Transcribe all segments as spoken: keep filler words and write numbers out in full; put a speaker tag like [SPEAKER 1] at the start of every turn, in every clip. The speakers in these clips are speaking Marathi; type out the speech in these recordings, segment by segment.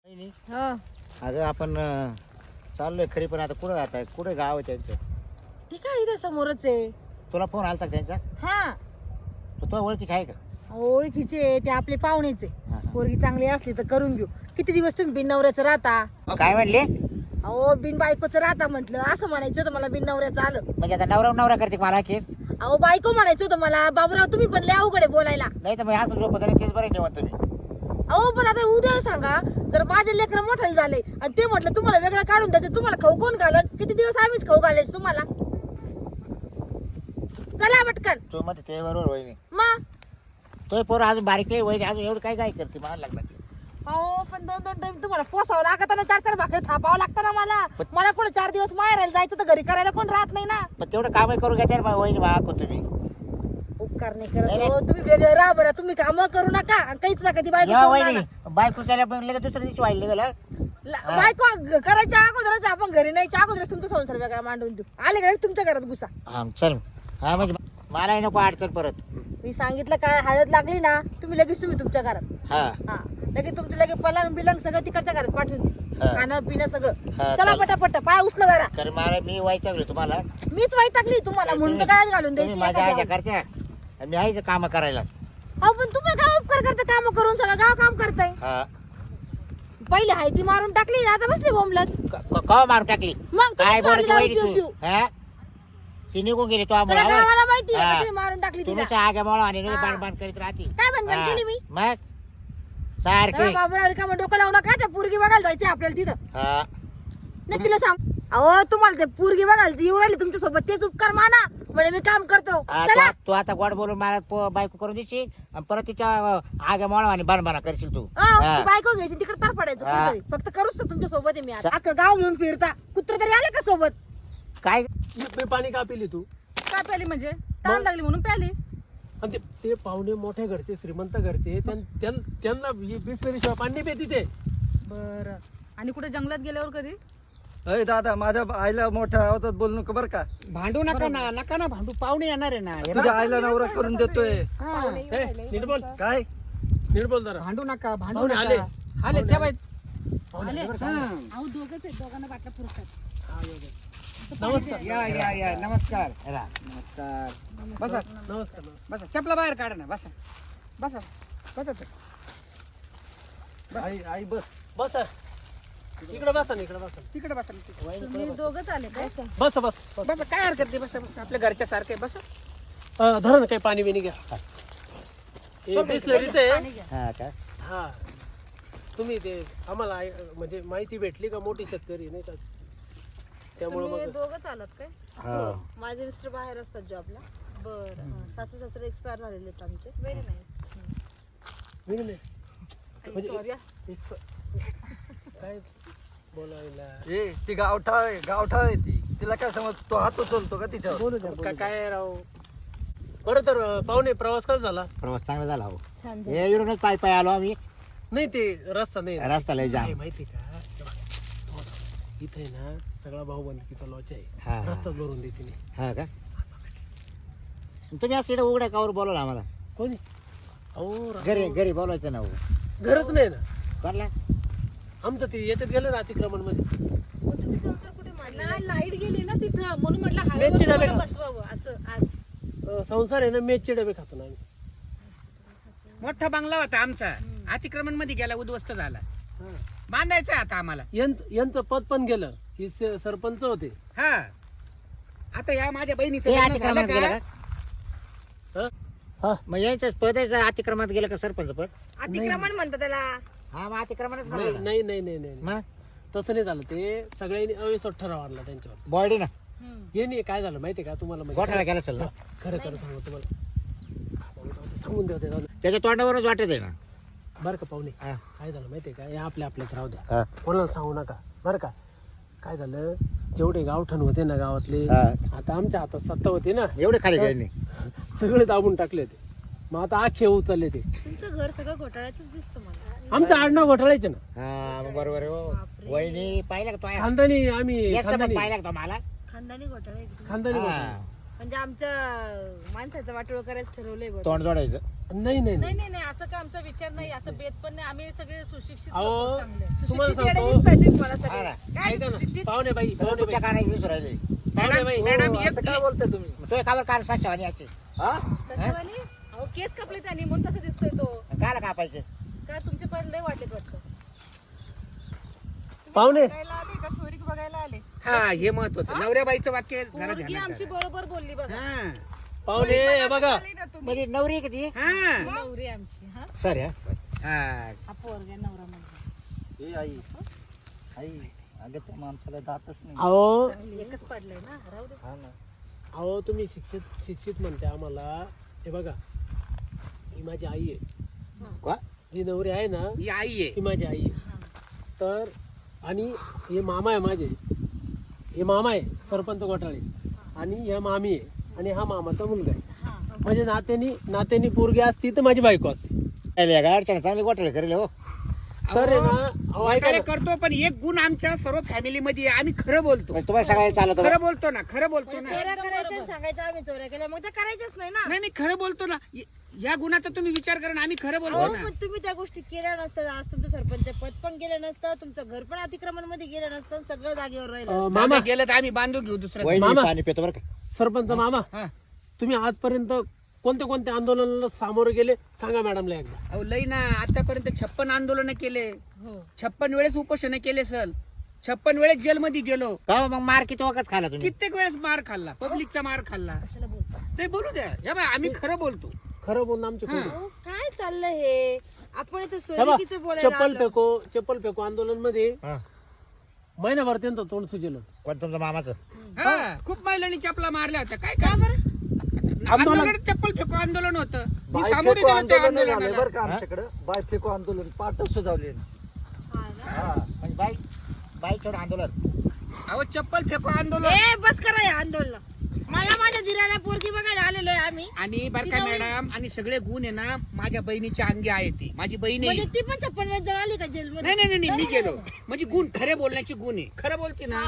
[SPEAKER 1] हो
[SPEAKER 2] अगं आपण अं, चाललोय खरी, पण आता कुठं आता कुठे गाव आहे त्यांचं?
[SPEAKER 1] ठीक आहे, इथं समोरच आहे.
[SPEAKER 2] तुला फोन आलता का त्यांचा?
[SPEAKER 1] हा
[SPEAKER 2] तो तुझ्या ओळखीच आहे का?
[SPEAKER 1] ओळखीचे आहे, ते आपले पाहुणेच आहे.
[SPEAKER 2] हा, हा.
[SPEAKER 1] पोरगी चांगली असली तर करून घेऊ. किती दिवस तुम्ही बिन नवऱ्याचं राहता?
[SPEAKER 2] काय म्हणले?
[SPEAKER 1] अहो बिन बायकोचं राहता म्हटलं, असं म्हणायचं होतं मला. बिन नवऱ्याचं आलं.
[SPEAKER 2] म्हणजे आता नवरा नवरा करते का मला की?
[SPEAKER 1] अहो बायको म्हणायचं होतं मला. बाबूराव तुम्ही पण लय अवघड आहे बोलायला.
[SPEAKER 2] नाही तर मग असं झोपत नाही, तेच बरं निवंत तुम्ही.
[SPEAKER 1] अहो पण आता उद्या सांगा, जर माझे लेकरं मोठाले झाले आणि ते म्हटलं तुम्हाला वेगळं काढून द्यायचं, तुम्हाला खाऊ कोण घालन? किती दिवस आम्हीच खाऊ घालायच तुम्हाला? चला पटकन.
[SPEAKER 2] तू मध्ये ते बरोबर वहिनी.
[SPEAKER 1] मग
[SPEAKER 2] तो पोर अजून बारीक आहे वहिनी, अजून एवढं काय काय करते मला लागलं.
[SPEAKER 1] अहो पण दोन दोन टाइम तुम्हाला पोसावं लागत ना, चार चार भाकरी थापावं लागतं ना मला. मला कोण चार दिवस माहेरायला जायचं तर घरी करायला कोण राहत नाही ना.
[SPEAKER 2] पण तेवढं कामही करू घ्या बा वहिनी बा तुम्ही.
[SPEAKER 1] उपकार नाही करत हो, तुम्ही वेगळं राहा बरं. तुम्ही काम करू नका आणि काहीच नका. ती बायको
[SPEAKER 2] या
[SPEAKER 1] करून
[SPEAKER 2] वहिनी
[SPEAKER 1] आणा.
[SPEAKER 2] बायको केल्या पण लगेच दुसऱ्या दिवशी वाढले गेलं.
[SPEAKER 1] ल- बायको ग- करायच्या अगोदरच आपण घरी नाहीच्या अगोदरच तुमचा संसार वेगळा मांडून देऊ. आले का तुमच्या घरात घुसा.
[SPEAKER 2] हा चल. हा म्हणजे मलाही नको अडचण परत.
[SPEAKER 1] मी सांगितलं काय, हळद लागली ना तुम्ही लगेच तुम्ही तुमच्या घरात.
[SPEAKER 2] हा
[SPEAKER 1] हा लगेच तुमचं लगेच पलंग बिलंग सगळं तिकडच्या घरात पाठवून दे.
[SPEAKER 2] हा.
[SPEAKER 1] खाणं पिणं सगळं.
[SPEAKER 2] हा,
[SPEAKER 1] चला
[SPEAKER 2] चालेल.
[SPEAKER 1] पटापट पाय उचला जरा.
[SPEAKER 2] तर मला मी व्हायचं तुम्हाला.
[SPEAKER 1] मीच वाईट टाकली तुम्हाला म्हणून तर गळ्यात घालून
[SPEAKER 2] तुम्ही
[SPEAKER 1] द्यायची
[SPEAKER 2] माझ्या आज्या
[SPEAKER 1] एखाद्या.
[SPEAKER 2] करत्या, मी आहे काम करायला.
[SPEAKER 1] अहो पण तुम्ही काय उपकार करता, काम करून सगळं गाव काम करताय.
[SPEAKER 2] हा
[SPEAKER 1] पहिले हाय ती मारून टाकली ना, आता बसली बोंबलत.
[SPEAKER 2] कवा मारून टाकली?
[SPEAKER 1] मग
[SPEAKER 2] काय
[SPEAKER 1] तुम्हीच मारली
[SPEAKER 2] बोलायची
[SPEAKER 1] दारू
[SPEAKER 2] वहिनी
[SPEAKER 1] पिऊ
[SPEAKER 2] तू?
[SPEAKER 1] पिऊ.
[SPEAKER 2] हा ती निघून गेली तो
[SPEAKER 1] सगळ्या
[SPEAKER 2] आम्हाला.
[SPEAKER 1] गावाला माहिती आहे
[SPEAKER 2] हा.
[SPEAKER 1] का तुम्ही मारून टाकली तिला.
[SPEAKER 2] तुम्ही आग्या मोळा आणि
[SPEAKER 1] हा.
[SPEAKER 2] बाण बाण करीत राहते.
[SPEAKER 1] काय बनबन केली मी?
[SPEAKER 2] मग सारखी.
[SPEAKER 1] बाबूराव रिकामं डोकं लावू नका. त्या पोरगी बघायला जायचंय आपल्याला तिथं.
[SPEAKER 2] हा
[SPEAKER 1] नाही तिला सांग. अहो तुम्हाला ते पोरगी बघायला येऊ राहिली तुमच्या सोबत, तेच उपकार माना. म्हणजे मी काम करतो.
[SPEAKER 2] हा,
[SPEAKER 1] चला
[SPEAKER 2] तू- तू आता गोड बोलून मला पो- बायको करून देशील आणि परत तिच्या आग्या मोळा आणि बाण बाणा करशील तू.
[SPEAKER 1] अहो,
[SPEAKER 2] हा.
[SPEAKER 1] ती बायको घ्यायची तिकडे तर पडायचं
[SPEAKER 2] हा.
[SPEAKER 1] कुठेतरी. फक्त करूच तर तुमच्या सोबत आहे मी आता. अख्खं गाव घेऊन फिरता. कुत्र तरी आले का सोबत?
[SPEAKER 2] काय
[SPEAKER 3] मी पाणी का पिली तू?
[SPEAKER 4] काय प्याली म्हणजे ताण लागली म्हणून प्याली.
[SPEAKER 3] आणि ते ते पाहुणे मोठ्या घरचे श्रीमंत घरचे त्यां- त्यां- त्यांना बिस्लरीशिवाय पाणी पिते ते.
[SPEAKER 4] बर आणि कुठे जंगलात गेल्यावर कधी
[SPEAKER 5] अय दादा, माझ्या आईला मोठ्या आवाजात बोलू नका बरं का.
[SPEAKER 2] भांडू नका ना, नका ना भांडू. पाहुणे येणार आहे ना.
[SPEAKER 5] तुझ्या आईला नवरा करून देतोय.
[SPEAKER 3] ए, नीट बोल,
[SPEAKER 5] काय
[SPEAKER 3] नीट बोल जरा.
[SPEAKER 2] भांडू नका, भांडू
[SPEAKER 3] पाहुणे
[SPEAKER 2] नका.
[SPEAKER 3] आले.
[SPEAKER 2] आले त्या बाई.
[SPEAKER 4] आले
[SPEAKER 2] हा.
[SPEAKER 4] अहो दोघच आहेत, दोघांना बाटल्या पुरतात.
[SPEAKER 3] नमस्कार
[SPEAKER 2] या या या नमस्कार. नमस्कार. बसा
[SPEAKER 3] नमस्कार
[SPEAKER 2] बसा. चपला बाहेर काढा ना. बसा बसा बसा ते.
[SPEAKER 3] आई आई बस बस इकडे बसा ना, इकडे बसा.
[SPEAKER 2] तिकडे बसा ना, तिकडे.
[SPEAKER 4] तुम्ही दोघच आले काय?
[SPEAKER 3] बस बस बस.
[SPEAKER 2] बसा काय हरकत नाही. बसा बसा. आपल्या घरच्या सारखे बसा.
[SPEAKER 3] अं, धरा ना काही पाणी बिनी घ्या. हे बिस्लरीच आहे.
[SPEAKER 4] पाणी घ्या.
[SPEAKER 2] हा का?
[SPEAKER 3] हा तुम्ही ते आम्हाला आई- म्हणजे माहिती भेटली का मोठी शेतकरी नाही का, त्यामुळे
[SPEAKER 4] तुम्ही
[SPEAKER 3] मग
[SPEAKER 4] दोघच आलात काय?
[SPEAKER 2] हो.
[SPEAKER 1] माझे मिस्टर बाहेर असतात जॉबला.
[SPEAKER 4] बर
[SPEAKER 1] सासू सासरे एक्सपायर झालेले आहेत आमचे.
[SPEAKER 4] Very nice.
[SPEAKER 3] मी नाही म्हणजे-
[SPEAKER 4] सॉरी
[SPEAKER 3] काय बोलायला
[SPEAKER 5] ए ती गावठा आहे, गावठा आहे ती. तिला काय समज, तो हात उचलतो का तिच्यावर?
[SPEAKER 2] बोलू द्या,
[SPEAKER 3] का-
[SPEAKER 2] बोलू द्या.
[SPEAKER 3] काय राव. बरं तर अं, पाहुणे प्रवास कसा झाला?
[SPEAKER 2] प्रवास चांगला झाला हो.
[SPEAKER 1] छान
[SPEAKER 2] हे इकडूनच पाय पाय आलो आम्ही.
[SPEAKER 3] नाही ते रस्ता नाही
[SPEAKER 2] रस्ता लय जाम.
[SPEAKER 3] काय माहिती का, इथे ना सगळा भाऊबंदकीचा लॉच आहे.
[SPEAKER 2] हा, हा.
[SPEAKER 3] रस्ताच भरून देते नाही.
[SPEAKER 2] हा का? तुम्ही असं इकडे उघड्या कावर बोलवलं आम्हाला.
[SPEAKER 3] कोणी अहो राव,
[SPEAKER 2] घरी घरी बोलवायचं ना.
[SPEAKER 3] घरच नाही ना
[SPEAKER 2] करला
[SPEAKER 3] आमचं ते याच्यात गेलं ना अतिक्रमण मध्ये.
[SPEAKER 1] तुम्ही संसार कुठे मांडला?
[SPEAKER 4] नाही लाईट गेली ना तिथं म्हणून म्हटलं
[SPEAKER 3] मेथची डबे
[SPEAKER 4] हायवे
[SPEAKER 3] खा.
[SPEAKER 4] बसवावं असं आज.
[SPEAKER 3] अं, संसार आहे ना, मेचचे डबे खातो ना आम्ही.
[SPEAKER 6] मोठा बंगला होता आमचा, अतिक्रमण मध्ये गेला, उद्ध्वस्त झाला.
[SPEAKER 3] हा.
[SPEAKER 6] बांधायचं आता आम्हाला.
[SPEAKER 3] यांचं यांचं पद पण गेलं. ही स- सरपंच होते.
[SPEAKER 6] हा आता या माझ्या बहिणीचं
[SPEAKER 2] हे
[SPEAKER 6] लग्न
[SPEAKER 2] अतिक्रमात
[SPEAKER 6] झालं
[SPEAKER 2] गेलं
[SPEAKER 6] का?
[SPEAKER 2] का?
[SPEAKER 3] हा? हा.
[SPEAKER 2] मग यांच्याच पदाचं अतिक्रमात गेलं का सरपंच पद?
[SPEAKER 1] अतिक्रमण म्हणतात त्याला.
[SPEAKER 2] हा मग अतिक्रमणच
[SPEAKER 3] नाही
[SPEAKER 2] म्हणलं.
[SPEAKER 3] नाही नाही नाही नाही.
[SPEAKER 2] मग
[SPEAKER 3] तसं नाही झालं. ते सगळ्यांनी अविश्वास ठराव आणला त्यांच्यावर.
[SPEAKER 2] बॉडी ना
[SPEAKER 4] हम्म.
[SPEAKER 3] हे नाही काय झालं माहितीये का तुम्हाला म्हणजे-
[SPEAKER 2] गोठाळा केला असेल ना.
[SPEAKER 3] खरं खरं सांगू तुम्हाला. सांगून द्या ते जाऊ द्या.
[SPEAKER 2] त्याच्या तोंडावरच वाटत आहे ना.
[SPEAKER 3] बरं का पाहुणे,
[SPEAKER 2] हा.
[SPEAKER 3] काय झालं माहितीये का, हे आपल्या आपल्यात राहू द्या,
[SPEAKER 2] हा.
[SPEAKER 3] कोणाला सांगू नका बरं का. काय झालं, जेवढे गावठण होते ना गावातले,
[SPEAKER 2] हा.
[SPEAKER 3] आता आमच्या हातात सत्ता होती ना,
[SPEAKER 2] एवढे खाली गेले नाही.
[SPEAKER 3] सगळे दाबून टाकले ते. मग आता आखे उचलले ते.
[SPEAKER 1] तुमचं घर सगळं घोटाळ्यातच दिसतं मला.
[SPEAKER 3] आमचं आडनाव घोटाळायचे ना.
[SPEAKER 2] हा मग बरोबर आहे हो. वहिनी पाहिलं का तो आहे?
[SPEAKER 3] खानदानी आम्ही
[SPEAKER 2] या सोबत
[SPEAKER 3] खानदानी
[SPEAKER 2] पाहिलं का तो मला?
[SPEAKER 1] खानदानी घोटाळा आहे.
[SPEAKER 3] खानदानी
[SPEAKER 2] हा.
[SPEAKER 3] घोटाळे.
[SPEAKER 1] म्हणजे आमच्या माणसाचं वाटोळ करायचं ठरवलंय बघ.
[SPEAKER 2] तोंड जोडायचं.
[SPEAKER 3] नाही नाही
[SPEAKER 4] नाही
[SPEAKER 3] नाही
[SPEAKER 4] नाही नाही असं काय आमचा विचार नाही असं बेत पण नाही आम्ही सगळे सुशिक्षित
[SPEAKER 3] अहो,
[SPEAKER 4] लोकं चांगले
[SPEAKER 3] तुम्हाला
[SPEAKER 1] सुशिक्षित येडे
[SPEAKER 3] सांगतो
[SPEAKER 1] दिसताय तुम्ही मला
[SPEAKER 2] हा
[SPEAKER 1] सगळे
[SPEAKER 2] ना.
[SPEAKER 1] काय
[SPEAKER 3] ऐका ना,
[SPEAKER 1] सुशिक्षित
[SPEAKER 3] पाहुणे बाई
[SPEAKER 2] सगळं
[SPEAKER 3] पाहुणे
[SPEAKER 2] तुमच्या
[SPEAKER 3] बाई
[SPEAKER 2] कानाची विसरू राहिले.
[SPEAKER 3] पाहुणे
[SPEAKER 6] मॅडम
[SPEAKER 3] बाई
[SPEAKER 6] मॅडम
[SPEAKER 5] हो, असं
[SPEAKER 6] एक-
[SPEAKER 5] काय बोलताय तुम्ही
[SPEAKER 2] मग तो कावर काल सातशे याची
[SPEAKER 5] हा
[SPEAKER 1] कशावानी?
[SPEAKER 4] अहो केस कापले त्याने म्हणून तसं दिसतोय तो
[SPEAKER 2] कायला कापायचे?
[SPEAKER 4] काय तुमचे पण लय वाटलेत वाटतं
[SPEAKER 3] पाहुणे
[SPEAKER 6] हा हे महत्वाचं नवऱ्या बाईचं वाक्य जरा
[SPEAKER 4] पोरगी
[SPEAKER 6] ध्यानात
[SPEAKER 4] आमची
[SPEAKER 6] धरा.
[SPEAKER 4] बरोबर बोलली बघा
[SPEAKER 6] हा
[SPEAKER 3] पाहुणे हे बघा
[SPEAKER 2] म्हणजे नवरी किती?
[SPEAKER 6] हा
[SPEAKER 4] नवरी आमची हा
[SPEAKER 2] सर हा
[SPEAKER 6] हा
[SPEAKER 4] हा पोरगा नवरा म्हणजे
[SPEAKER 5] ए आई आई अगं त्या माणसाला जातच नाही
[SPEAKER 3] अहो
[SPEAKER 4] एकच पडलंय ना राहू दे
[SPEAKER 5] हा ना
[SPEAKER 3] अहो तुम्ही शिक्षित शिक्षित म्हणते आम्हाला. हे बघा ही माझी आई आहे.
[SPEAKER 2] का?
[SPEAKER 3] जी नवरी आहे ना
[SPEAKER 6] ही आई आहे
[SPEAKER 3] ही माझी आई आहे. तर आणि हे मामा आहे माझे. हे मामा आहे सरपंच घोटाळे आणि ह्या मामी आहे आणि हा मामाचा मुलगा आहे. म्हणजे नात्यानी नात्यानी पोरगी असती तर माझी बायको असते.
[SPEAKER 2] गाडच्या चांगली गोठळे करेल हो.
[SPEAKER 3] तर आहे ना अहो, ऐका
[SPEAKER 6] वाटायला
[SPEAKER 3] ना.
[SPEAKER 6] करतो पण एक गुण आमच्या सर्व फॅमिली मध्ये आहे. आम्ही खरं बोलतो
[SPEAKER 2] म्हणजे तुम्हाला सगळ्या चालत
[SPEAKER 6] खरं बोलतो ना खरं बोलतो
[SPEAKER 1] म्हणजे
[SPEAKER 6] ना
[SPEAKER 1] चोऱ्या करायच्या आणि सांगायचं आम्ही चोऱ्या केल्या मग ते करायचंच नाही ना.
[SPEAKER 6] नाही नाही खरं बोलतो ना य- या गुणाचा तुम्ही विचार करा ना आम्ही खरं बोलतो
[SPEAKER 1] अहो,
[SPEAKER 6] ना
[SPEAKER 1] पण तुम्ही त्या गोष्टी केल्या नसतात. आज तुमचं सरपंच पद पण गेलं नसतं, तुमचं घर पण अतिक्रमण मध्ये गेलं नसतं, सगळं जागेवर राहिलं.
[SPEAKER 3] अं,
[SPEAKER 6] मामा
[SPEAKER 3] मामा
[SPEAKER 6] गेलं तर आम्ही बांधू घेऊ दुसरं
[SPEAKER 2] वहिनी
[SPEAKER 3] मामा.
[SPEAKER 2] पाणी पितो बरं का.
[SPEAKER 3] सरपंच मामा
[SPEAKER 6] हा.
[SPEAKER 3] तुम्ही आजपर्यंत कोणत्या कोणत्या आंदोलनाला सामोरे गेले सांगा मॅडमला एकदा.
[SPEAKER 6] अहो लई ना आतापर्यंत छप्पन आंदोलन केले
[SPEAKER 4] हो
[SPEAKER 6] छप्पन वेळेस उपोषण केले सर छप्पन वेळेस जेलमध्ये गेलो
[SPEAKER 2] का हो मग मार किती वखत खाला तुम्ही?
[SPEAKER 6] कित्येक वेळेस मार खाल्ला पब्लिकचा मार खाल्ला
[SPEAKER 4] कशाला बोलता
[SPEAKER 6] नाही बोलू द्या या बाई, आम्ही खरं बोलतो
[SPEAKER 3] खरं बोलणं आमचे
[SPEAKER 6] हा.
[SPEAKER 3] खोटं.
[SPEAKER 1] अहो, काय चाललंय हे आपण इथं
[SPEAKER 3] हे बघ,
[SPEAKER 1] सोयरीकीचं बोलायला
[SPEAKER 3] चप्पल
[SPEAKER 1] आलो.
[SPEAKER 3] फेको चप्पल फेको आंदोलन मध्ये
[SPEAKER 2] हा.
[SPEAKER 3] महिनाभर त्यांचं तोंड सुजेलं.
[SPEAKER 2] कोण तुमचं मामाचं?
[SPEAKER 6] हा, खूप महिलांनी चपला मारल्या होत्या काय
[SPEAKER 1] का
[SPEAKER 6] काय
[SPEAKER 1] बरं?
[SPEAKER 6] आंदोलन चप्पल फेको आंदोलन होतं मी
[SPEAKER 5] बाय
[SPEAKER 6] सामोरे
[SPEAKER 5] फेको
[SPEAKER 6] गेलो त्या
[SPEAKER 5] आंदोलन झाले
[SPEAKER 6] आंदोलनाला
[SPEAKER 5] बरं का आमच्याकडे बाय फेको आंदोलन पाठ सुजावले
[SPEAKER 1] हा ना?
[SPEAKER 5] हा
[SPEAKER 2] म्हणजे बाई बाई छोड आंदोलन.
[SPEAKER 6] अहो चप्पल फेको आंदोलन
[SPEAKER 1] ए बस करा हे आंदोलन. मला माझ्या दिराला पोरगी बघायला आलेलो आहे आम्ही.
[SPEAKER 6] आणि बर का मॅडम आणि सगळे गुण आहे ना माझ्या बहिणीच्या अंगी आहे ती माझी बहीण आहे
[SPEAKER 1] म्हणजे ती पण छप्पन वेळेस जवळ आली का जेलमध्ये?
[SPEAKER 6] नाही नाही नाही, नाही मी गेलो म्हणजे गुण खरे बोलण्याची गुण आहे खरं बोलते ना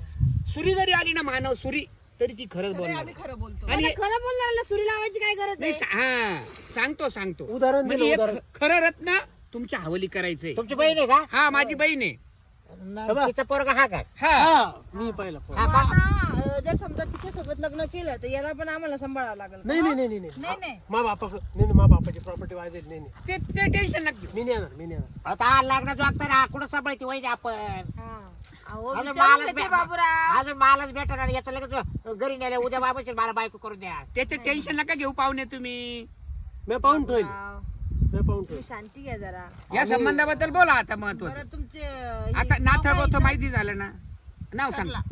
[SPEAKER 6] सुरी जरी आली ना मानव सुरी तरी ती खरंच बोलणार
[SPEAKER 4] खरं बोलतो
[SPEAKER 6] आणि
[SPEAKER 1] आता खरं बोलणाऱ्याला सुरी लावायची काय गरज
[SPEAKER 6] नाही
[SPEAKER 1] आहे?
[SPEAKER 6] सा- हा सांगतो सांगतो
[SPEAKER 3] उदाहरण
[SPEAKER 6] म्हणजे
[SPEAKER 3] दिलं
[SPEAKER 6] एक
[SPEAKER 3] उदाहरण.
[SPEAKER 6] ख- खरं रत्न तुमच्या हवली करायचंय
[SPEAKER 2] तुमची बहीण आहे का?
[SPEAKER 6] हा माझी बहीण आहे
[SPEAKER 2] न- तिचा पोरगा हा का?
[SPEAKER 6] हा
[SPEAKER 3] हा मी पाहिलं पोरं.
[SPEAKER 2] हा
[SPEAKER 1] मग
[SPEAKER 2] का?
[SPEAKER 1] आता अं, जर समजा तिच्या सोबत लग्न केलं तर याला पण आम्हाला सांभाळावं लागेल.
[SPEAKER 3] नाही नाही नाही नाही
[SPEAKER 4] नाही
[SPEAKER 3] नाही
[SPEAKER 4] नाही
[SPEAKER 3] मा बापा नाही नाही, मा बापाची प्रॉपर्टी वायदे नाही नाही
[SPEAKER 6] ते ते टेन्शन लागते
[SPEAKER 3] मी नाही येणार मी नाही येणार.
[SPEAKER 2] आता हा लग्नाचं वागताना कुठं सांभाळते वहिनी आपण?
[SPEAKER 1] हा. अहो,
[SPEAKER 2] अजून
[SPEAKER 1] विचारून
[SPEAKER 2] मालच
[SPEAKER 1] घेते
[SPEAKER 2] भे-
[SPEAKER 1] बाबूराव.
[SPEAKER 2] अजून मालच भेटणार आणि याचं लगेच घरी नेलं उद्या बाबाची मला बायको करून द्या.
[SPEAKER 6] त्याचं टेन्शन नका घेऊ पाहुणे तुम्ही
[SPEAKER 3] मी पाहून ठेवेल
[SPEAKER 1] बाबूराव,
[SPEAKER 3] मी पाहून
[SPEAKER 1] तुम्ही
[SPEAKER 3] ठेवेल.
[SPEAKER 1] शांती घ्या जरा.
[SPEAKER 6] या संबंधाबद्दल बोला आता महत्वाचं
[SPEAKER 1] बरं तुमचे अं, हे
[SPEAKER 6] आता
[SPEAKER 1] नाव
[SPEAKER 6] नाथ
[SPEAKER 1] काय
[SPEAKER 6] गोथ
[SPEAKER 1] हिचं?
[SPEAKER 6] माहिती झालं ना नाव सांग हा?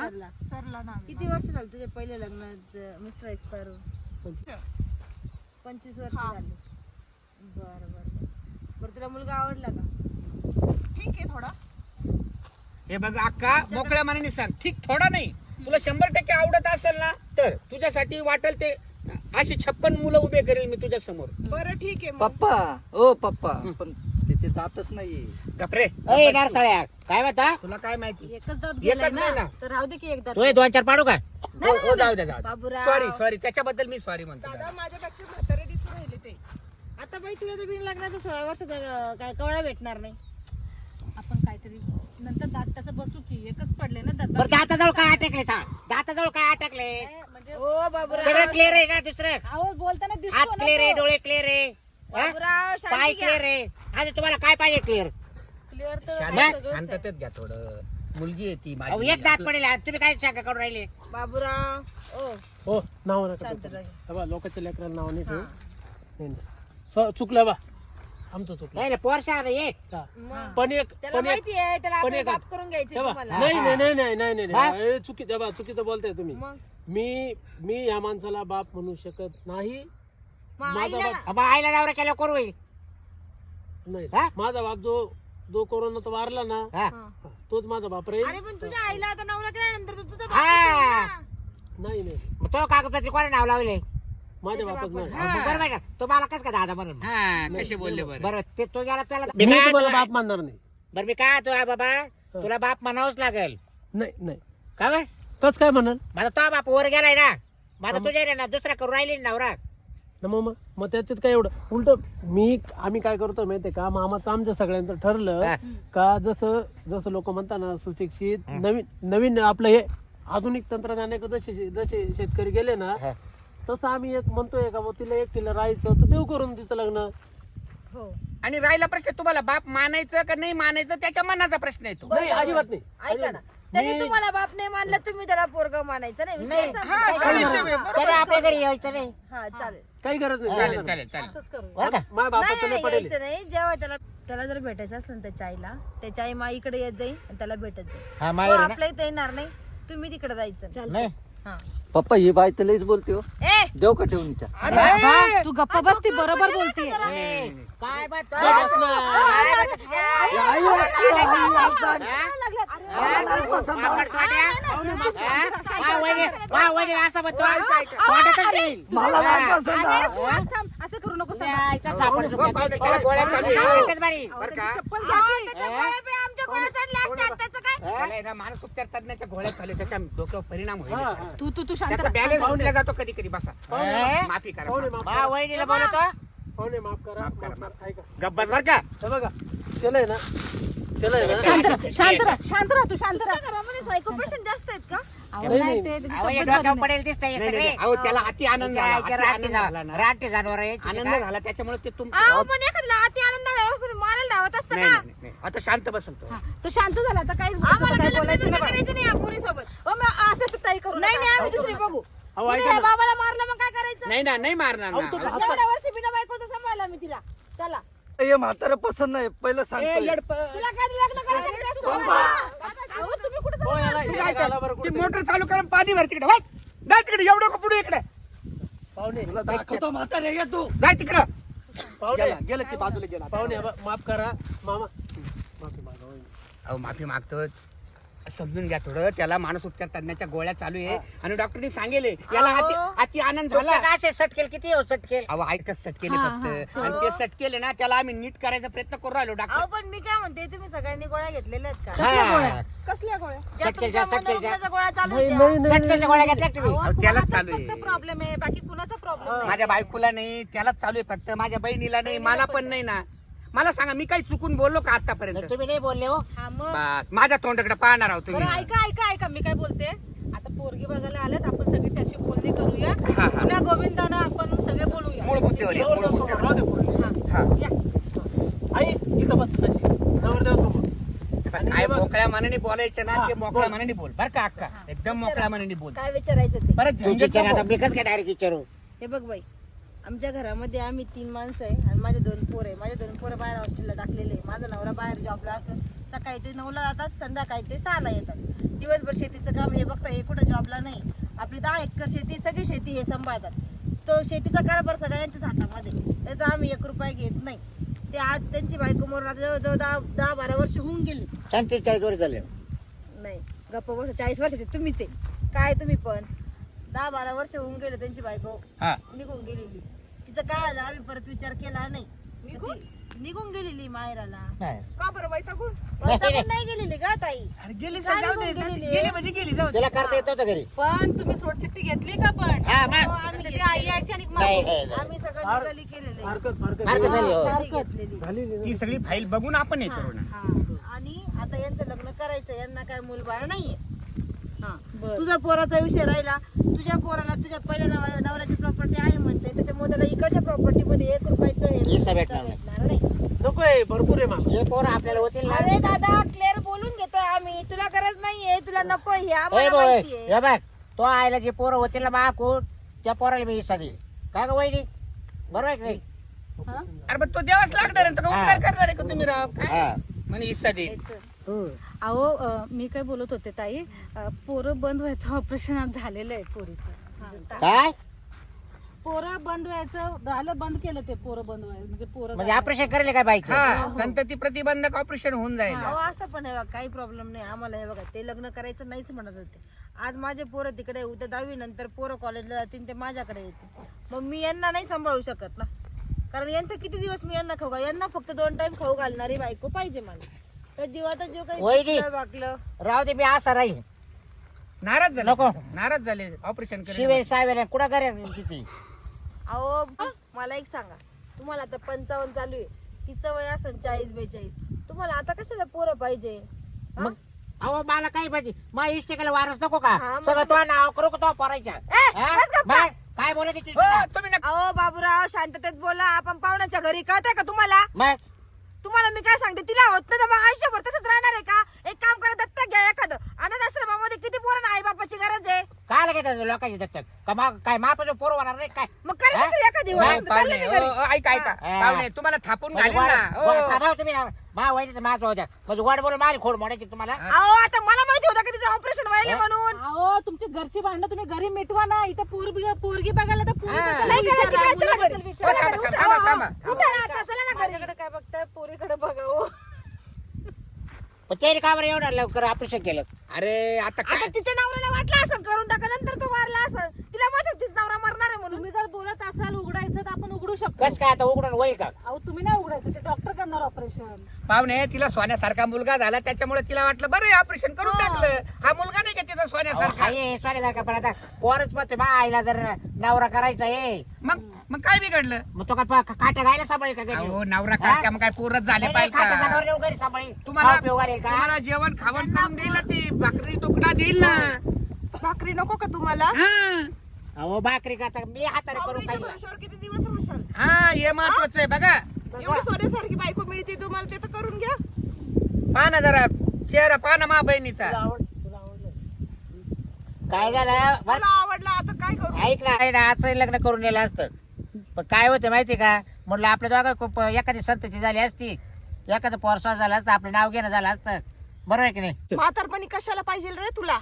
[SPEAKER 1] सरला. किती वर्ष झालं तुझे पहिले लग्न मिस्टर एक्सपायर पंचवीस वर्ष झाली. बरं बरं बरं तुला मुलगा आवडला का?
[SPEAKER 6] हे बघ अक्का मोकळ्या मनाने सांग ठीक थोडा नाही तुला शंभर टक्के आवडत असेल ना तर तुझ्यासाठी वाटेल ते अशी छप्पन मुलं उभे करेल मी तुझ्या समोर
[SPEAKER 5] पप्पा ओ पप्पा पण त्याचे जातच नाहीये
[SPEAKER 6] गपरे
[SPEAKER 2] अय नारसाळ्या काय म्हणता?
[SPEAKER 6] तुला काय माहिती
[SPEAKER 4] एकच दात
[SPEAKER 6] एकच
[SPEAKER 4] गेलाय
[SPEAKER 6] नाही
[SPEAKER 4] ना
[SPEAKER 6] ना.
[SPEAKER 4] तर राहू दे की एक दात
[SPEAKER 2] तू हे दोन चार पाडू का?
[SPEAKER 6] हो हो, जाऊ दे जाऊ
[SPEAKER 1] बाबूराव.
[SPEAKER 6] सॉरी सॉरी त्याच्याबद्दल मी सॉरी म्हणतो
[SPEAKER 1] आता बाई तुला तर बिन लग्नाचा सोळा वर्षाचा अं, काय कवळा भेटणार नाही.
[SPEAKER 4] आपण काहीतरी नंतर दात त्याचं बसू की एकच पडले ना दात
[SPEAKER 2] बरं दाताजवळ काय अटकले दाताजवळ काय अटकले?
[SPEAKER 4] म्हणजे
[SPEAKER 1] ओ बाबूराव
[SPEAKER 2] सगळं क्लिअर आहे का दुसरं?
[SPEAKER 4] आहो बोलताना
[SPEAKER 2] हात
[SPEAKER 4] दिसतो
[SPEAKER 2] क्लिअर आहे
[SPEAKER 4] ना
[SPEAKER 2] डोळे क्लिअर आहे हा?
[SPEAKER 1] बाबूराव
[SPEAKER 2] पाय
[SPEAKER 1] शांती
[SPEAKER 2] क्लिअर
[SPEAKER 1] घ्या.
[SPEAKER 2] आहे अजून तुम्हाला काय पाहिजे क्लिअर?
[SPEAKER 4] क्लिअर तर
[SPEAKER 6] शांत-
[SPEAKER 4] आहे सगळंच आहे.
[SPEAKER 6] शांततेत घ्या थोडं मुलगी आहे ती
[SPEAKER 2] अहो,
[SPEAKER 6] माझी
[SPEAKER 2] एक दात
[SPEAKER 6] आपलं-
[SPEAKER 2] पडेल आणि तुम्ही काय सांगा करून राहिले?
[SPEAKER 1] बाबूराव ओ
[SPEAKER 3] हो नाव नका
[SPEAKER 1] शांत
[SPEAKER 3] ठेवू.
[SPEAKER 1] राहा.
[SPEAKER 3] हे बघ, लोकांच्या लेकराला नाव नाही ठेवू.
[SPEAKER 1] हा.
[SPEAKER 3] नाही, नाही. स- चुकलं बा आमचं चुकलं
[SPEAKER 2] नाही पोर शहा ये
[SPEAKER 3] हा.
[SPEAKER 1] मग
[SPEAKER 3] पण एक
[SPEAKER 1] त्याला
[SPEAKER 3] पण एक
[SPEAKER 1] माहिती आहे त्याला
[SPEAKER 3] पण
[SPEAKER 1] आपले
[SPEAKER 3] एक-
[SPEAKER 1] बाप करून घ्यायचे
[SPEAKER 3] हे बघ,
[SPEAKER 1] तुम्हाला.
[SPEAKER 3] नाही नाही नाही नाही नाही नाही
[SPEAKER 2] हा?
[SPEAKER 3] नाही. हे चुकी हे बघ, चुकीचं बोलताय तुम्ही.
[SPEAKER 1] मग
[SPEAKER 3] मी मी या माणसाला बाप म्हणू शकत नाही.
[SPEAKER 1] मग
[SPEAKER 3] माझा
[SPEAKER 1] आईला
[SPEAKER 3] बाप-
[SPEAKER 1] ना-
[SPEAKER 2] मग आईला नवरा केलं करू होईल
[SPEAKER 3] नाही
[SPEAKER 2] हा?
[SPEAKER 3] माझा बाप जो जो कोरोनात वारला ना
[SPEAKER 2] हा.
[SPEAKER 1] हा.
[SPEAKER 3] तोच माझा बाप राहील.
[SPEAKER 1] अरे पण तुझ्या आईला आता नवरा केल्यानंतर तो तुझा
[SPEAKER 2] हा.
[SPEAKER 1] बाप आहे ना.
[SPEAKER 3] नाही नाही
[SPEAKER 2] मग तो कागदपत्री कोणी नाव लावले?
[SPEAKER 3] माझ्या
[SPEAKER 1] त्याचा
[SPEAKER 3] बापच
[SPEAKER 1] बाप
[SPEAKER 3] नाही.
[SPEAKER 6] हा.
[SPEAKER 2] मग बरोबर आहे ना तो मला कस का दादा म्हणून
[SPEAKER 6] हा कसे बोलले बरं
[SPEAKER 2] बरं ते तो गेला त्याला
[SPEAKER 3] मी
[SPEAKER 2] काय
[SPEAKER 3] तुम्हाला
[SPEAKER 2] तुला-
[SPEAKER 3] बाप मानणार नाही.
[SPEAKER 2] बरं मी काय तो आहे बाबा तुला बाप म्हणावंच लागेल
[SPEAKER 3] नाही नाही
[SPEAKER 2] का बरं?
[SPEAKER 3] तच काय म्हणाल?
[SPEAKER 2] माझा तो बाप वर गेलाय ना मग आता तुझ्या रे ना दुसरा करून राहिली ना नवरा
[SPEAKER 3] ना मग मग मग त्याच्यात काय एवढं उलट मी आम्ही काय करतो माहितीये का मामाचं आमच्या सगळ्यांचं ठरलं
[SPEAKER 2] हा.
[SPEAKER 3] का जसं जसं लोक म्हणतात ना सुशिक्षित नवीन नवीन आपलं हे आधुनिक तंत्रज्ञानाकडे जसे जसे शेतकरी गेले ना
[SPEAKER 2] हा.
[SPEAKER 3] तसं आम्ही एक म्हणतोय का मग तिला एकटीला राहायचं तर देऊ करून तिचं लग्न.
[SPEAKER 1] हो
[SPEAKER 6] आणि राहिला प्रश्न तुम्हाला बाप मानायचं का नाही मानायचं त्याच्या मनाचा प्रश्न येतो
[SPEAKER 3] नाही अजिबात नाही
[SPEAKER 1] ऐका ना
[SPEAKER 3] अजिबात.
[SPEAKER 1] त्याने
[SPEAKER 3] मी-
[SPEAKER 1] तुम्हाला बाप नाही मानलं तुम्ही त्याला पोरग मानायचं नाही विषय
[SPEAKER 2] नाही.
[SPEAKER 1] संपला.
[SPEAKER 6] हा,
[SPEAKER 1] ऐका
[SPEAKER 6] विषय
[SPEAKER 1] ना.
[SPEAKER 6] आहे, बरोबर.
[SPEAKER 2] त्याला आपल्या घरी यायचं नाही
[SPEAKER 1] हा चालेल
[SPEAKER 3] काही गरज नाही
[SPEAKER 6] चालेल
[SPEAKER 3] चालेल.
[SPEAKER 6] चालेल चालेल
[SPEAKER 4] असंच करू
[SPEAKER 2] बरं का
[SPEAKER 3] माझ्या
[SPEAKER 1] नाही
[SPEAKER 3] बापाचं
[SPEAKER 1] नाही,
[SPEAKER 3] नाही पडेल
[SPEAKER 1] यायचं नाही जेव्हा त्याला त्याला जर भेटायचं असलं ना त्याच्या आईला त्याच्या आई माईकडे येत जाईल आणि त्याला भेटत जाईल
[SPEAKER 2] हा
[SPEAKER 1] तो
[SPEAKER 2] माहेर
[SPEAKER 1] आपल्या इथे येणार नाही तुम्ही तिकडे जायचं
[SPEAKER 2] नाही
[SPEAKER 1] हा
[SPEAKER 5] पप्पा ही बाई तर लईच बोलते हो
[SPEAKER 1] ए
[SPEAKER 5] देव का ठेवून
[SPEAKER 4] बाबा, तू गप्पा बसती बरोबर बोलते
[SPEAKER 2] काय बात
[SPEAKER 3] बस ना.
[SPEAKER 2] असं म्हणतो वाटतच नाही.
[SPEAKER 5] मला नाही पसंत हा.
[SPEAKER 4] थांब, थांब, असं करू नको
[SPEAKER 2] यायचा चापड
[SPEAKER 6] हो, पाहू दे, त्याला गोळ्या चालू आहे.
[SPEAKER 2] एकच बारी.
[SPEAKER 6] बरं का
[SPEAKER 1] आमच्या कोणा चढले असतात त्याचं काय
[SPEAKER 6] त्याला आहे ना मानस उपचार तज्ञाच्या गोळ्या चालू त्याच्या डोक्यावर परिणाम
[SPEAKER 3] हा,
[SPEAKER 6] होईल
[SPEAKER 3] हा.
[SPEAKER 4] तू तू तू शांत
[SPEAKER 6] त्याचा
[SPEAKER 4] राहा.
[SPEAKER 6] बॅलन्स उठला जातो कधी कधी बसा
[SPEAKER 2] ए?
[SPEAKER 6] माफी करा
[SPEAKER 3] पाहुणे
[SPEAKER 6] माफी.
[SPEAKER 3] माफ
[SPEAKER 2] बा
[SPEAKER 3] करा.
[SPEAKER 2] वहिनीला बोलतो
[SPEAKER 3] पाहुणे माफ करा
[SPEAKER 6] माफ
[SPEAKER 3] माफ
[SPEAKER 6] करा,
[SPEAKER 3] करा. ऐका
[SPEAKER 6] गप्पस बर का
[SPEAKER 3] हे बघा त्याला आहे ना त्याला आहे ना
[SPEAKER 4] शांत राहा, शांत राहा शांत राहा तू शांत राहा
[SPEAKER 1] घरामध्ये सायको पेशंट जास्त आहेत का
[SPEAKER 4] अहो,
[SPEAKER 3] नाही,
[SPEAKER 4] नाही,
[SPEAKER 3] नाही.
[SPEAKER 4] ते- त्याची
[SPEAKER 2] अहो, हे
[SPEAKER 4] तब्येत
[SPEAKER 2] डोक्यावर
[SPEAKER 4] बरी नाही.
[SPEAKER 2] पडेल दिसतंय हे
[SPEAKER 6] नाही, नाही,
[SPEAKER 2] सगळे.
[SPEAKER 6] नाही. अहो त्याला अति आनंद झाला
[SPEAKER 2] यायच्या
[SPEAKER 6] अति
[SPEAKER 2] रानटी
[SPEAKER 6] आनंद झाला ना
[SPEAKER 2] जा- रानटी जनावर यायची
[SPEAKER 6] आनंद
[SPEAKER 2] काय?
[SPEAKER 6] झाला त्याच्यामुळे ते तुम
[SPEAKER 1] अहो पण एखाद्याला अति आनंद झाला मारायला धावत असतं
[SPEAKER 6] नाही
[SPEAKER 1] का
[SPEAKER 6] नाही, नाही. आता शांत बसून तो
[SPEAKER 4] हा, तो शांत झाला आता काहीच बोलू
[SPEAKER 1] आम्हाला
[SPEAKER 4] नको, काय
[SPEAKER 1] त्याला
[SPEAKER 4] बोलायचं
[SPEAKER 1] लग्न
[SPEAKER 4] नाही बघ.
[SPEAKER 1] करायचं नाही या पोरीसोबत.
[SPEAKER 4] अहो, मग असं तर ताई करू
[SPEAKER 1] नाही
[SPEAKER 4] नका.
[SPEAKER 1] नाही आम्ही दुसरी बघू
[SPEAKER 3] अहो,
[SPEAKER 1] उद्या
[SPEAKER 3] ऐका
[SPEAKER 1] या
[SPEAKER 3] ना.
[SPEAKER 1] बाबाला मारलं मग काय करायचं
[SPEAKER 6] नाही ना नाही मारणार
[SPEAKER 3] अहो, तो
[SPEAKER 6] ना
[SPEAKER 3] हात-
[SPEAKER 1] एवढ्या वर्षी बिना बायकोचं सांभाळला मी तिला त्याला
[SPEAKER 5] हे म्हातारं पसंत नाही पहिलं
[SPEAKER 6] ए,
[SPEAKER 5] सांगतो
[SPEAKER 6] येडपं.
[SPEAKER 1] तुला काय लग्न करायचं ते असतं
[SPEAKER 3] अहो,
[SPEAKER 1] का?
[SPEAKER 4] अहो, तुम्ही कुठं
[SPEAKER 3] हो, याला-
[SPEAKER 6] तू
[SPEAKER 3] याला
[SPEAKER 6] काय
[SPEAKER 3] घाला
[SPEAKER 6] कर?
[SPEAKER 3] बरं
[SPEAKER 6] ती
[SPEAKER 3] कुठे.
[SPEAKER 6] मोटर चालू करून पाणी भर तिकडे वाट जा तिकडे एवढं का पुढे इकडे
[SPEAKER 3] पाहुणे
[SPEAKER 5] तुला दाखवतो म्हातारे ये तू
[SPEAKER 6] जा तिकडं
[SPEAKER 3] पाहुणे
[SPEAKER 6] गेला गेलं की बाजूला गेला
[SPEAKER 3] पाहुणे बा- माफ करा मामा माफी मागा वहिनी.
[SPEAKER 6] अहो माफी मागतो समजून घ्या थोडं त्याला मानस उपचार तज्ञाच्या गोळ्या चालू आहे आणि डॉक्टरनी सांगेल याला अति अति आनंद झाला
[SPEAKER 2] तुमचं काय असे सटकेल किती हो सटकेल
[SPEAKER 6] अहो ऐकच सटकेले
[SPEAKER 4] हा,
[SPEAKER 6] फक्त आणि ते सटकेले ना त्याला आम्ही नीट करायचा प्रयत्न करू राहिलो
[SPEAKER 1] अहो
[SPEAKER 6] डॉक्टर
[SPEAKER 1] पण मी काय म्हणते तुम्ही सगळ्यांनी गोळ्या घेतलेल्या आहेत का
[SPEAKER 4] कसल्या गोळ्या?
[SPEAKER 2] हा.
[SPEAKER 1] कसल्या गोळ्या ज्या
[SPEAKER 2] सटकेलच्या,
[SPEAKER 1] तुमच्या
[SPEAKER 2] सटकेलच्या.
[SPEAKER 1] मनोरुग्णाच्या गोळ्या चालू
[SPEAKER 3] नाही,
[SPEAKER 1] होत्या
[SPEAKER 3] नाही, नाही,
[SPEAKER 2] सटकेलच्या गोळ्या घेतल्या का तुम्ही
[SPEAKER 4] अहो,
[SPEAKER 6] अहो, त्यालाच
[SPEAKER 4] कुणाचा
[SPEAKER 6] चालू आहे.
[SPEAKER 4] फक्त प्रॉब्लेम आहे बाकी कुणाचा प्रॉब्लेम नाही
[SPEAKER 6] माझ्या बायकोला नाही त्यालाच चालू आहे फक्त माझ्या बहिणीला नाही मला पण नाही ना मला सांगा मी काही चुकून बोललो का आतापर्यंत
[SPEAKER 2] तुम्ही नाही बोलले हो
[SPEAKER 4] हा मग
[SPEAKER 6] बस, माझ्या तोंडाकडे पाहणार आहोत
[SPEAKER 4] बरं
[SPEAKER 6] तुम्ही
[SPEAKER 4] ऐका ऐका ऐका मी काय बोलते आता पोरगी बघायला आल्यात आपण सगळी त्याची बोलणी करूया
[SPEAKER 6] हा, हा.
[SPEAKER 4] पुन्हा गोविंदाना आपण सगळे बोलूया
[SPEAKER 6] मूळ मुद्द्यावर ये, मूळ मुद्द्यावर
[SPEAKER 3] राहू दे पोरी.
[SPEAKER 6] हा.
[SPEAKER 4] या.
[SPEAKER 3] आई इथं बस तशी नवरदेव समोर
[SPEAKER 6] पण काय मोकळ्या मनाने बोलायचं ना
[SPEAKER 3] हा,
[SPEAKER 6] ते मोकळ्या
[SPEAKER 3] बोल.
[SPEAKER 6] मनाने बोल बर का अक्का एकदम मोकळ्या मनाने बोल
[SPEAKER 1] काय विचारायचं ते
[SPEAKER 6] परत
[SPEAKER 2] तू
[SPEAKER 6] झंझट
[SPEAKER 2] विचार
[SPEAKER 6] नको.
[SPEAKER 2] आता मी कसं काय डायरेक्ट विचारू
[SPEAKER 1] हे बघ बाई आमच्या घरामध्ये आम्ही तीन माणसं आहे आणि माझे दोन पोर आहे माझे दोन पोरं बाहेर हॉस्टेलला टाकलेले आहे. माझा नवरा बाहेर जॉबला असतो सकाळी ते नऊला जातात संध्याकाळी ते सहाला येतात दिवसभर शेतीचं काम हे बघता हे कुठं जॉबला नाही आपली दहा एकर शेती सगळी शेती हे सांभाळतात तो शेतीचा कारभार सगळ्यांच्याच हातामध्ये त्याचा आम्ही एक रुपया घेत नाही ते आज त्यांची बायको मरून आता जवळजवळ दहा दहा बारा वर्ष होऊन गेली
[SPEAKER 2] पंचेचाळीस वर्ष झाले
[SPEAKER 1] नाही गप्पा वर्ष चाळीस वर्षाचे तुम्हीच आहे काय तुम्ही पण दहा बारा वर्ष होऊन गेले त्यांची बायको
[SPEAKER 6] हा
[SPEAKER 1] निघून गेलेली तिचं काय झालं आम्ही परत विचार केला नाही ती निघून गेलेली माहेराला
[SPEAKER 2] नाही.
[SPEAKER 1] का बरं वैतागून वैतागून नाही गेलेली का ताई
[SPEAKER 6] अरे गेली
[SPEAKER 1] काय
[SPEAKER 6] जाऊ दे
[SPEAKER 1] निघून गेलेली?
[SPEAKER 6] गेली म्हणजे गेली जाऊ दे
[SPEAKER 2] तिला करता येत होतं घरी
[SPEAKER 4] पण तुम्ही सोडचिट्टी घेतली का पण
[SPEAKER 2] हा
[SPEAKER 1] हो,
[SPEAKER 2] मग
[SPEAKER 1] आम्ही
[SPEAKER 4] ती आई यायची आणि
[SPEAKER 2] नाही
[SPEAKER 4] मागून.
[SPEAKER 2] नाही, नाही.
[SPEAKER 1] आम्ही सगळं
[SPEAKER 3] फार-
[SPEAKER 1] निघाली केलेले
[SPEAKER 3] फारकत फारकत
[SPEAKER 2] फारकत झाली हो
[SPEAKER 1] गाडी घेतलेली
[SPEAKER 3] झाली
[SPEAKER 6] ती सगळी फाईल बघून आपण हे करू ना
[SPEAKER 1] हा. आणि आता यांचं लग्न करायचं यांना काय मूलबाळ नाहीये हा
[SPEAKER 4] बरं.
[SPEAKER 1] तुझ्या पोराचा विषय राहिला तुझ्या पोराला तुझ्या पहिल्या नव- नवऱ्याची प्रॉपर्टी आहे म्हणते त्याच्यामुळे त्याला इकडच्या प्रॉपर्टी मध्ये एक रुपयाचं हे
[SPEAKER 2] हिस्सा भेटणार नाही.
[SPEAKER 1] भेटणार नाही
[SPEAKER 3] नकोय भरपूर आहे मला
[SPEAKER 2] हे पोरं आपल्याला होतील ना
[SPEAKER 1] अरे दादा क्लिअर बोलून घेतोय आम्ही तुला गरज नाहीये तुला नको हे
[SPEAKER 2] ए
[SPEAKER 1] आम्हाला
[SPEAKER 2] बोय
[SPEAKER 1] माहितीये
[SPEAKER 2] हे बघ तो आईला जे पोरं होतील ना माकून त्या पोराला मी हिस्सा देईल काय का वहिनी बरोबर आहे की नाही
[SPEAKER 4] हा?
[SPEAKER 6] अरे पण तो देवाच लागणार आहे, तो का
[SPEAKER 2] हा.
[SPEAKER 6] उपकार करणार आहे का तुम्ही राव काय
[SPEAKER 2] हा
[SPEAKER 6] म्हणे हिस्सा दे
[SPEAKER 3] हं.
[SPEAKER 4] अहो अं, मी काय बोलत होते ताई अं, पोरं बंद व्हायचं ऑपरेशन झालेलं आहे पोरीचं हा.
[SPEAKER 2] काय
[SPEAKER 4] पोरं बंद व्हायचं झालं बंद केलं ते पोरं बंद व्हायचं म्हणजे पोरं
[SPEAKER 2] म्हणजे ऑपरेशन करेल काय बाईचं
[SPEAKER 6] हा संतती प्रतिबंधक ऑपरेशन होऊन जाईल
[SPEAKER 1] अहो असं पण आहे बघा काही प्रॉब्लेम नाही आम्हाला हे बघा ते लग्न करायचं नाहीच म्हणत होते आज माझे पोरं तिकडे उद्या दहावी नंतर पोरं कॉलेजला जातील ते माझ्याकडे येतील मग मी यांना नाही सांभाळू शकत ना कारण यांचं किती दिवस मी यांना खाऊ घाल यांना फक्त दोन टाइम खाऊ घालणारी बायको पाहिजे मला तर जीवाचा जीव काही
[SPEAKER 2] वहिनी.
[SPEAKER 1] दुखलं, वाकलं
[SPEAKER 2] राहू दे मी असा राहील
[SPEAKER 6] नाराज झाले
[SPEAKER 2] नको.
[SPEAKER 6] नाराज झाले ऑपरेशन
[SPEAKER 2] शिवे सावेला कुठं करे तिथे
[SPEAKER 1] अहो मला एक सांगा, तुम्हाला आता पंचावन्न चालू आहे, तिचं वय असं चाळीस बेचाळीस, तुम्हाला आता कशाला पोरं पाहिजे? हा?
[SPEAKER 2] मग अहो मला काही पाहिजे मग इष्टिकेला वारस नको का
[SPEAKER 1] हा, मग-
[SPEAKER 2] सगळं तो नाव करू का तो पोरायच्या
[SPEAKER 1] ए,
[SPEAKER 2] हा?
[SPEAKER 1] बस गप्पा.
[SPEAKER 2] मग काय बोलत होती
[SPEAKER 6] हो
[SPEAKER 2] तू?
[SPEAKER 6] तुम्ही नका
[SPEAKER 1] अहो बाबूराव शांततेत बोला, आपण पाहुण्याच्या घरी, कळतंय का तुम्हाला?
[SPEAKER 2] मग
[SPEAKER 1] तुम्हाला मी काय सांगते, तिला होत नाही तर मग आयुष्यभर तसंच राहणार आहे का? एक काम करा, दत्तक घ्या एखादं. अनाथ आश्रमामध्ये किती पोरांना आई बापाची गरज आहे?
[SPEAKER 2] काय लागेल लोकांची दत्तक का मग काय मापाचं पोरं होणार नाही काय
[SPEAKER 1] मग करा
[SPEAKER 2] हा?
[SPEAKER 1] दुसरी एखादी
[SPEAKER 2] नाही,
[SPEAKER 1] वरात, चाललं
[SPEAKER 6] पाहुणे
[SPEAKER 1] मी घरी.
[SPEAKER 6] हो, हो, ऐका ऐका
[SPEAKER 2] हा.
[SPEAKER 6] पाहुणे तुम्हाला थापून
[SPEAKER 2] म्हणजे
[SPEAKER 6] घालीन ना
[SPEAKER 2] गोड-
[SPEAKER 6] हो.
[SPEAKER 2] गोड थांबा तुम्ही मा वहिनीचं माझं होत्या म्हणजे गोड बोलून माझी खोड मोडायची तुम्हाला
[SPEAKER 1] अहो आता मला माहिती होतं का तिचं ऑपरेशन व्हायला म्हणून.
[SPEAKER 4] अहो तुमची घरची भांडणं तुम्ही घरी मिटवा ना. इथं पोरगी पोरगी बघायला तर पोरी
[SPEAKER 6] हा.
[SPEAKER 4] बद्दल
[SPEAKER 1] नाही करायची
[SPEAKER 4] विचारा,
[SPEAKER 1] काय, चला घरी.
[SPEAKER 4] मुलाबद्दल विचारा.
[SPEAKER 1] चला घरी,
[SPEAKER 6] थांबा,
[SPEAKER 1] उठा.
[SPEAKER 6] थांबा, थांबा.
[SPEAKER 1] उठा ना आता, चला ना घरी.
[SPEAKER 4] माझ्याकडे काय बघताय, पोरीकडे बघावं.
[SPEAKER 2] पण त्याने का बरं एवढं लवकर ऑपरेशन केलं
[SPEAKER 6] अरे आता काय
[SPEAKER 1] आता तिच्या नवऱ्याला वाटलं असं करून टाका, नंतर तो वारला असं, तिला माहिती होतं तिचा नवरा मरणार आहे म्हणून.
[SPEAKER 4] तुम्ही जर बोलत असाल उघडायचं तर आपण उघडू शकतो.
[SPEAKER 2] कस काय आता उघडून होईल का
[SPEAKER 4] अहो तुम्ही नाही उघडायचं, ते डॉक्टर करणार ऑपरेशन.
[SPEAKER 6] पाहुणे तिला सोन्यासारखा मुलगा झाला त्याच्यामुळे तिला वाटलं बरं ऑपरेशन करून
[SPEAKER 4] हा.
[SPEAKER 6] टाकलं हा मुलगा नाही का तिचा सोन्यासारखा
[SPEAKER 2] सारखा पण आता पोरच मत मा आईला जर नवरा करायचा आहे
[SPEAKER 6] मग मग काय बिघडलं
[SPEAKER 2] मग तो काय पा- काट्या गायला सांभाळेल का घरी?
[SPEAKER 6] अहो नवरा
[SPEAKER 2] हा?
[SPEAKER 6] काय मग काय पोरच झाले
[SPEAKER 2] नाही, नाही,
[SPEAKER 6] पाहिजे
[SPEAKER 2] काट्या
[SPEAKER 6] का?
[SPEAKER 2] जनावरं नेऊन घरी सांभाळेल.
[SPEAKER 6] तुम्हाला
[SPEAKER 2] खाऊ पिऊ घालेल का
[SPEAKER 6] तुम्हाला जेवण खावण करून देईल ना ती भाकरी तुकडा देईल ना
[SPEAKER 1] भाकरी नको का तुम्हाला?
[SPEAKER 6] हा.
[SPEAKER 2] अहो भाकरी का आता मी हाताने करून खाईल
[SPEAKER 1] भरोश्यावर किती दिवस राहशाल?
[SPEAKER 6] हा हे महत्वाचं आहे बघा
[SPEAKER 1] एवढी सोन्यासारखी बायको मिळते तुम्हाला, ते तर करून घ्या.
[SPEAKER 6] पहा ना जरा चेहरा पहा ना मा बहिणीचा
[SPEAKER 2] काय झालं बरं
[SPEAKER 1] मला आवडला, आता काय करू?
[SPEAKER 2] ऐक ना ना आजचं लग्न करून नेलं असतं पण काय होतं माहिती का म्हटलं आपल्या दोघं खूप एखादी संतती झाली असती एखादं पोरसा झाला असतं आपलं नाव घेणं झालं असतं बरोबर आहे की नाही
[SPEAKER 1] म्हातारपणी कशाला पाहिजे रे तुला?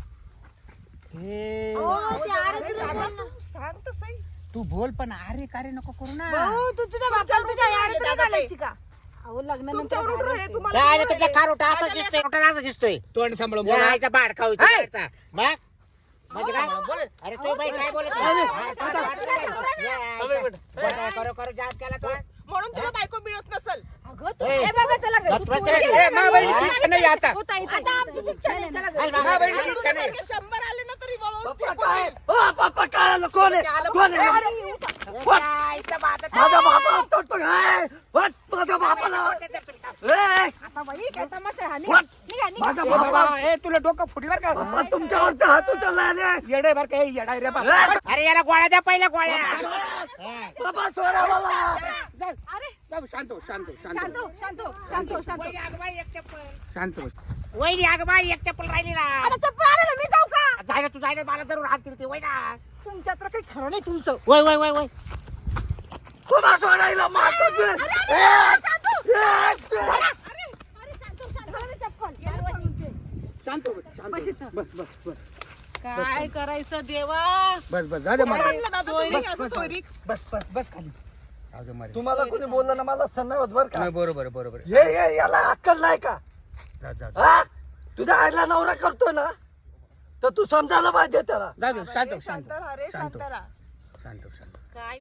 [SPEAKER 6] हे,
[SPEAKER 1] सांग तर सही.
[SPEAKER 6] तू बोल पण अरे कार्य नको करू ना
[SPEAKER 1] भाऊ, तू तुझ्या बापाला तुझ्या यार तुला घालायची का?
[SPEAKER 4] अहो लग्नानंतर
[SPEAKER 1] तुमच्यावर उठून राहिले,
[SPEAKER 4] घालायचं.
[SPEAKER 1] तुम्हाला
[SPEAKER 2] काय आलं
[SPEAKER 1] बोलू
[SPEAKER 2] तुमच्या
[SPEAKER 1] राहिले.
[SPEAKER 2] खार उठा असं दिसतोय उठा असं दिसतोय
[SPEAKER 6] तोंड सांभाळून
[SPEAKER 2] या
[SPEAKER 6] बोला.
[SPEAKER 2] आईचा बाड खाऊ इथे
[SPEAKER 6] ऐ!
[SPEAKER 2] बाहेरचा. मग म्हणजे काय
[SPEAKER 6] बोल.
[SPEAKER 2] अरे तू बाई काय बोलत नाही? हा, तुला वाटलं नाही? या आईचा- बोल, करू करू जाम केला तो
[SPEAKER 1] म्हणून तुला बायको मिळत नसेल.
[SPEAKER 4] अगं तू-
[SPEAKER 2] ए,
[SPEAKER 1] हे बघा, चला घरी.
[SPEAKER 2] गप्प बस.
[SPEAKER 6] ए, मा बहिणीची इच्छा नाही आता
[SPEAKER 4] हो, ताई, ताई,
[SPEAKER 1] आता
[SPEAKER 4] ताई,
[SPEAKER 1] आमचीच
[SPEAKER 4] ताई.
[SPEAKER 1] इच्छा नाही, चला घरी.
[SPEAKER 2] चल, बाबा.
[SPEAKER 6] मा बहिणीची इच्छा नाही
[SPEAKER 1] शंभर आले ना तरी वळवून
[SPEAKER 5] पप्पा
[SPEAKER 1] फेकून
[SPEAKER 5] काय
[SPEAKER 1] देईल.
[SPEAKER 5] ओ पप्पा काय आलं? कोण आहे कोण आहे
[SPEAKER 1] अरे, उठा.
[SPEAKER 2] या आईचा बाड-
[SPEAKER 5] माझा बापा तोडतो काय वट माझ्या बापाला ए
[SPEAKER 1] आता बाई, काय तमाशा आहे हा?
[SPEAKER 5] वट
[SPEAKER 1] निघा, निघा.
[SPEAKER 5] माझा
[SPEAKER 6] ए,
[SPEAKER 5] बाबा
[SPEAKER 6] बाबा ए तुला डोकं फुटली बर का
[SPEAKER 5] बाबा तुमच्यावरचा हात उचलला रे
[SPEAKER 6] येडे बर का येडाय रे बाबा
[SPEAKER 5] ए,
[SPEAKER 2] अरे याला गोळ्या द्या पहिल्या गोळ्या
[SPEAKER 5] बाबा सोडा बाबा
[SPEAKER 4] अरे
[SPEAKER 6] जाऊ, शांत हो, शांत हो, शांत
[SPEAKER 4] शांत
[SPEAKER 6] हो,
[SPEAKER 4] हो, शांत हो, शांत हो, शांत हो.
[SPEAKER 6] शांत हो.
[SPEAKER 2] वहिनी अगं बाई एक चप्पल राहिली ना
[SPEAKER 1] आता चप्पल आणा ना, मी जाऊ का?
[SPEAKER 2] जायला तू जायला मला जरूर हात दिली वय ना
[SPEAKER 1] तुमच्यात तर काही खरं नाही तुमचं.
[SPEAKER 2] वय वय वय वय
[SPEAKER 5] बाबा सोडायला मारतो तू. ए,
[SPEAKER 4] अरे,
[SPEAKER 5] ए,
[SPEAKER 4] अरे शांत हो, शांत हो. चप्पल याला पळून ते.
[SPEAKER 6] शांत हो, शांत हो.
[SPEAKER 4] बस इथं.
[SPEAKER 6] बस बस बस
[SPEAKER 4] काय करायचं देवा?
[SPEAKER 6] बस बस जा दे मला
[SPEAKER 1] म्हणलं दादा तुम्ही
[SPEAKER 6] बस,
[SPEAKER 1] असं
[SPEAKER 6] बस,
[SPEAKER 1] सोयरीक.
[SPEAKER 6] बस बस बस खाली जाऊ दे मारे.
[SPEAKER 5] तुम्हाला कोणी बोललं ना मला सण नाही होत बर का
[SPEAKER 6] नाही, बरोबर आहे, बरोबर आहे.
[SPEAKER 5] ये ये याला अक्कल नाही का
[SPEAKER 6] जा जा जा.
[SPEAKER 5] हा तुझ्या आईला नवरा करतोय ना तर तू समजायला पाहिजे त्याला
[SPEAKER 6] जाऊ दे, शांत हो, शांत
[SPEAKER 1] शांत
[SPEAKER 6] हो.
[SPEAKER 1] राहा रे,
[SPEAKER 6] शांत
[SPEAKER 1] शांत
[SPEAKER 6] हो.
[SPEAKER 1] राहा.
[SPEAKER 6] शांत हो, शांत हो.
[SPEAKER 4] काय